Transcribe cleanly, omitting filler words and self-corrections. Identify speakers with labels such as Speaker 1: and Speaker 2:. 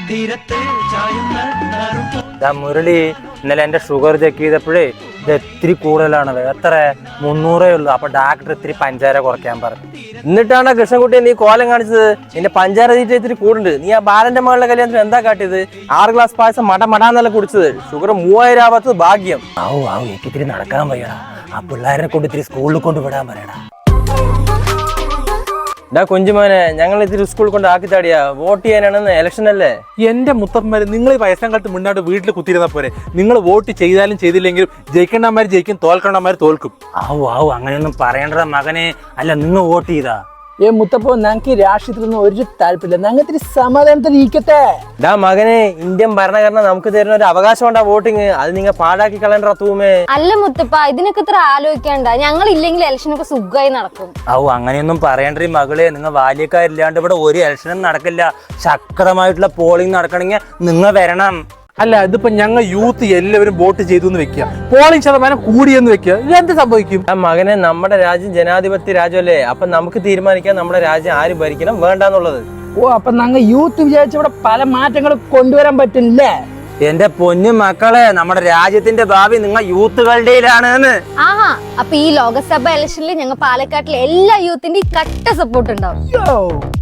Speaker 1: മുരളി ഇന്നലെ എന്റെ sugar check ചെയ്തപ്പോഴേ ഇത് ഇത്തിരി കൂടുതലാണ്, എത്ര 300 ഉള്ളൂ. അപ്പൊ ഡാക്ടർ ഇത്തിരി പഞ്ചാര കുറയ്ക്കാൻ പറഞ്ഞു. എന്നിട്ടാണ് കൃഷ്ണൻകുട്ടിയെ നീ കോലം കാണിച്ചത്. നിന്റെ പഞ്ചാര തീറ്റ ഇത്തിരി കൂടുണ്ട്. നീ ആ ബാലന്റെ മകളുടെ കല്യാണത്തിന് എന്താ കാട്ടിയത്? 6 ഗ്ലാസ് പായസം മടാന്നല്ല കുടിച്ചത്. ഷുഗർ 3000 ആവാത്തത് ഭാഗ്യം. എനിക്ക് ഇത്തിരി നടക്കാൻ വയ്യടാ. ആ പിള്ളേരെ കൊണ്ട് ഇത്തിരി സ്കൂളിൽ കൊണ്ട് വിടാൻ പറയടാ. കുഞ്ചുമോനെ, ഞങ്ങൾ ഇത്തിരി സ്കൂളിൽ കൊണ്ട് ആക്കിത്താടിയാ. വോട്ട് ചെയ്യാനാണെന്ന് ഇലക്ഷൻ അല്ലേ.
Speaker 2: എന്റെ മുത്തപ്പന്മാര്, നിങ്ങൾ ഈ വയസ്സാം കാലത്ത് മുന്നോട്ട് വീട്ടിൽ കുത്തിയിരുന്ന പോരെ. നിങ്ങൾ വോട്ട് ചെയ്താലും ചെയ്തില്ലെങ്കിലും ജയിക്കേണ്ടമാര് ജയിക്കും, തോൽക്കേണ്ടമാര് തോൽക്കും.
Speaker 1: അങ്ങനെയൊന്നും പറയണ്ട മകനെ. അല്ല, നിങ്ങൾ വോട്ട് ചെയ്താ?
Speaker 3: മുത്തപ്പോ ഞങ്ങൾക്ക് രാഷ്ട്രീയത്തിലൊന്നും ഒരു താല്പര്യമില്ല. ഞങ്ങൾ ഇത്തിരി സമാധാനത്തിൽ ഇരിക്കട്ടെ.
Speaker 1: മകനെ, ഇന്ത്യൻ ഭരണഘടന നമുക്ക് തരുന്ന ഒരു അവകാശം ഉണ്ടാ വോട്ടിങ്. അത് നിങ്ങൾ പാഴാക്കി കളയണ്ട തൂമേ.
Speaker 4: അല്ല മുത്തപ്പ, ഇതിനൊക്കെ ഇത്ര ആലോചിക്കണ്ട. ഞങ്ങൾ ഇല്ലെങ്കിൽ ഇലക്ഷനൊക്കെ സുഖമായി നടക്കും.
Speaker 1: അങ്ങനെയൊന്നും പറയണ്ടേ മകളെ. നിങ്ങൾ ബാല്യക്കാരില്ലാണ്ട് ഇവിടെ ഒരു ഇലക്ഷനും നടക്കില്ല. ശക്തമായിട്ടുള്ള പോളിംഗ് നടക്കണമെങ്കിൽ നിങ്ങൾ വരണം.
Speaker 2: അല്ല, ഇതിപ്പോ ഞങ്ങൾ യൂത്ത് എല്ലാവരും വോട്ട് ചെയ്തു എന്ന് വെക്കുക, പോളിംഗ് ശതമാനം കൂടിയെന്ന് വെക്കുക, ഇതെന്ത് സംഭവിക്കും?
Speaker 1: മകനെ, നമ്മുടെ രാജ്യം ജനാധിപത്യ രാജ്യമല്ലേ. അപ്പൊ നമുക്ക് തീരുമാനിക്കാം നമ്മുടെ രാജ്യം ആര് ഭരിക്കണം വേണ്ടെന്നുള്ളത്.
Speaker 3: അപ്പൊ ഞങ്ങൾ യൂത്ത് വിചാരിച്ച ഇവിടെ പല മാറ്റങ്ങളും കൊണ്ടുവരാൻ പറ്റില്ലേ?
Speaker 1: എന്റെ പൊന്നു മക്കളെ, നമ്മുടെ രാജ്യത്തിന്റെ ഭാവി നിങ്ങൾ യൂത്തുകളുടെയിലാണ്.
Speaker 4: അപ്പൊ ഈ ലോകസഭ ഇലക്ഷനിൽ ഞങ്ങൾ പാലക്കാട്ടിലെ എല്ലാ യൂത്തിന്റെയും കട്ട സപ്പോർട്ട് ഉണ്ടാവും.